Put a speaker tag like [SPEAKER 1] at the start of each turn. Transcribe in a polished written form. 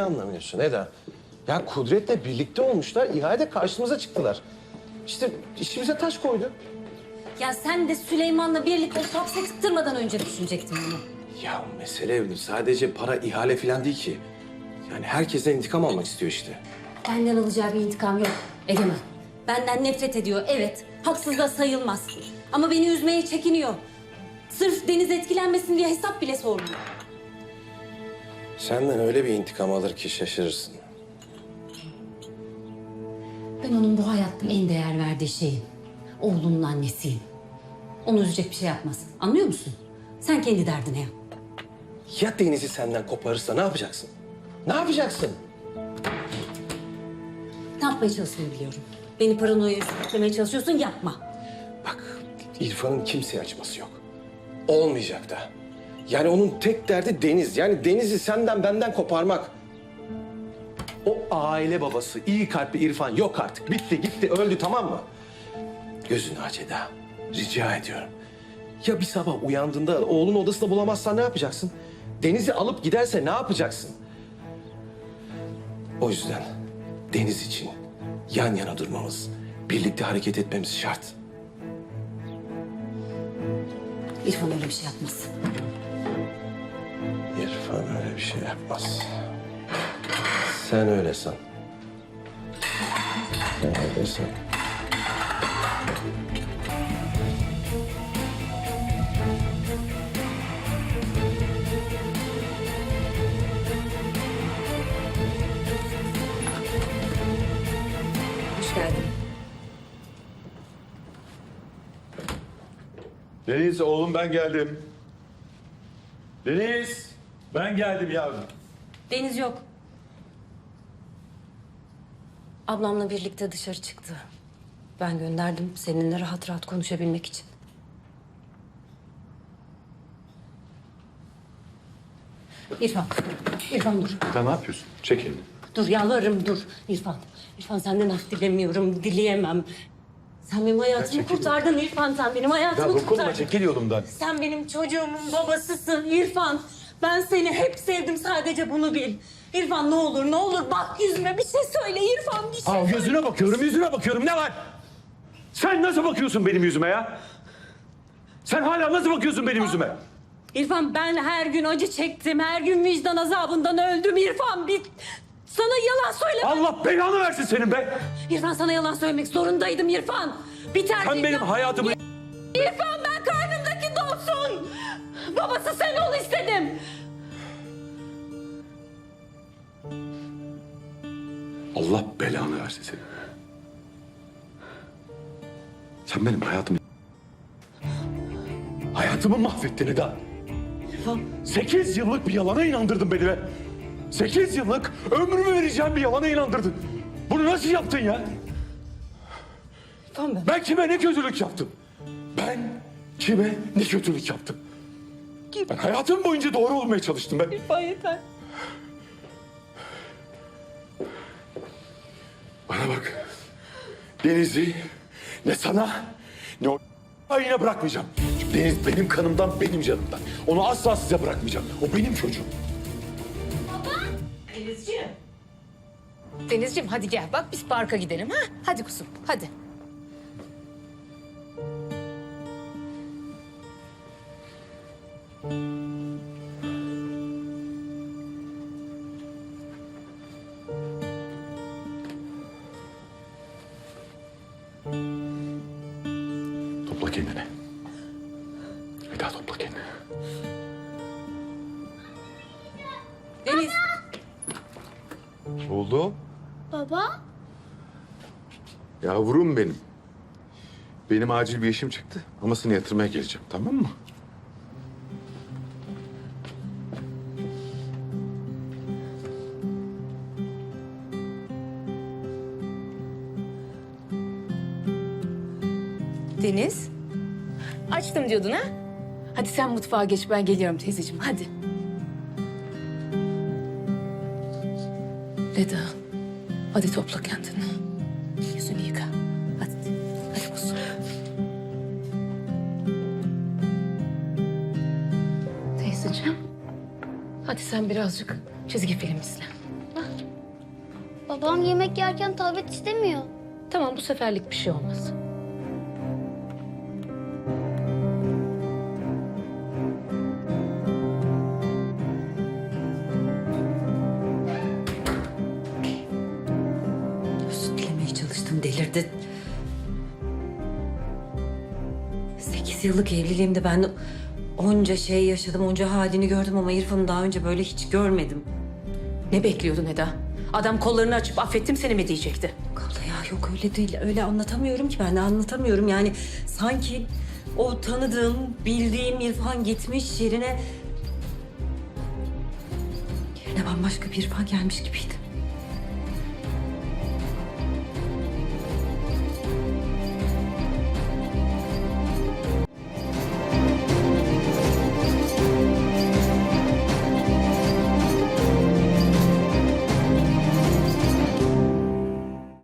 [SPEAKER 1] anlamıyorsun Eda? Ya Kudret'le birlikte olmuşlar, ihalede karşımıza çıktılar. İşte işimize taş koydu.
[SPEAKER 2] Ya sen de Süleyman'la birlikte o hapse tıktırmadan önce düşünecektin bunu.
[SPEAKER 1] Ya mesele sadece para, ihale falan değil ki. Yani herkesten intikam almak istiyor işte.
[SPEAKER 2] Benden alacağı bir intikam yok Egemen. Benden nefret ediyor, evet. Haksız da sayılmaz. Ama beni üzmeye çekiniyor. Sırf Deniz etkilenmesin diye hesap bile sormuyor.
[SPEAKER 1] Senden öyle bir intikam alır ki şaşırırsın.
[SPEAKER 2] Ben onun bu hayatta en değer verdiği şeyim. Oğlunun annesiyim. Onu üzecek bir şey yapmaz. Anlıyor musun? Sen kendi derdine yap.
[SPEAKER 1] Ya Deniz'i senden koparırsa ne yapacaksın? Ne yapacaksın?
[SPEAKER 2] Ne yapmaya çalıştığını biliyorum. Beni paranoya sürüklemeye çalışıyorsun, yapma.
[SPEAKER 1] Bak, İrfan'ın kimseye acıması yok. Olmayacak da. Yani onun tek derdi Deniz. Yani Deniz'i senden benden koparmak. O aile babası, iyi kalpli İrfan yok artık. Bitti, gitti, öldü, tamam mı? Gözünü aç Eda. Rica ediyorum. Ya bir sabah uyandığında oğlun odasında bulamazsan ne yapacaksın? Deniz'i alıp giderse ne yapacaksın? O yüzden Deniz için yan yana durmamız, birlikte hareket etmemiz şart.
[SPEAKER 2] İrfan öyle bir şey yapmaz.
[SPEAKER 1] İrfan öyle bir şey yapmaz. Sen öyle san. Sen öyle san.
[SPEAKER 2] Hoş geldin.
[SPEAKER 3] Deniz oğlum ben geldim. Deniz ben geldim yavrum.
[SPEAKER 2] Deniz yok. Ablamla birlikte dışarı çıktı. Ben gönderdim seninle rahat rahat konuşabilmek için. İrfan, İrfan dur.
[SPEAKER 3] Sen ne yapıyorsun? Çek elini.
[SPEAKER 2] Dur yalvarırım dur İrfan. İrfan senden af dilemiyorum, dileyemem. Sen benim hayatımı kurtardın İrfan, sen benim hayatımı
[SPEAKER 3] Ya dokunma,
[SPEAKER 2] kurtardın.
[SPEAKER 3] çekil yolumdan.
[SPEAKER 2] Sen benim çocuğumun babasısın İrfan. Ben seni hep sevdim, sadece bunu bil. İrfan ne olur ne olur bak yüzüme bir şey söyle İrfan, bir şey
[SPEAKER 3] Aa,
[SPEAKER 2] söyle.
[SPEAKER 3] yüzüne bakıyorum. Ne var? Sen nasıl bakıyorsun benim yüzüme ya? Sen hala nasıl bakıyorsun benim yüzüme?
[SPEAKER 2] İrfan ben her gün acı çektim, her gün vicdan azabından öldüm İrfan. Sana yalan söyle.
[SPEAKER 3] Allah belanı versin senin be!
[SPEAKER 2] İrfan sana yalan söylemek zorundaydım İrfan. Biter.
[SPEAKER 3] Sen benim hayatımı...
[SPEAKER 2] İrfan ben karnımdaki doğsun. Babası sen ol istedim.
[SPEAKER 3] Allah belanı versin senin. Sen benim hayatımı... Hayatımı mahvettin Eda.
[SPEAKER 2] İrfan.
[SPEAKER 3] 8 yıllık bir yalana inandırdın beni be. 8 yıllık ömrümü vereceğim bir yalana inandırdın. Bunu nasıl yaptın ya?
[SPEAKER 2] İrfan
[SPEAKER 3] Ben kime ne kötülük yaptım? Ben kime ne kötülük yaptım? Ben hayatım boyunca doğru olmaya çalıştım ben.
[SPEAKER 2] İrfan yeter.
[SPEAKER 3] Bana bak. Deniz'i ne sana ne o yine bırakmayacağım. Çünkü Deniz benim kanımdan, benim canımdan. Onu asla size bırakmayacağım. O benim çocuğum.
[SPEAKER 4] Denizciğim. Denizciğim hadi gel bak biz parka gidelim ha. Hadi kuzum hadi.
[SPEAKER 3] Topla kendini. Eda topla kendini.
[SPEAKER 2] Deniz.
[SPEAKER 5] Oldu.
[SPEAKER 6] Baba,
[SPEAKER 5] Yavrum benim. Benim acil bir işim çıktı. Amasını yatırmaya geleceğim, tamam mı?
[SPEAKER 4] Deniz. Açtım diyordun ha? Hadi sen mutfağa geç ben geliyorum teyzeciğim hadi. Eda hadi topla kendini. Yüzünü yıka. Hadi. Hadi kuzum. Teyzeciğim. Hadi sen birazcık çizgi film izle. Ha?
[SPEAKER 6] Babam yemek yerken tablet istemiyor.
[SPEAKER 4] Tamam, bu seferlik bir şey olmaz.
[SPEAKER 2] Özür dilemeye çalıştım, delirdi. 8 yıllık evliliğimde ben onca şey yaşadım, onca halini gördüm ama İrfan'ı daha önce böyle hiç görmedim.
[SPEAKER 4] Ne bekliyordun Eda? Adam kollarını açıp affettim seni mi diyecekti?
[SPEAKER 2] Abla ya yok öyle değil, öyle anlatamıyorum ki ben de anlatamıyorum. Yani sanki o tanıdığım, bildiğim İrfan gitmiş yerine bambaşka bir İrfan gelmiş gibiydi.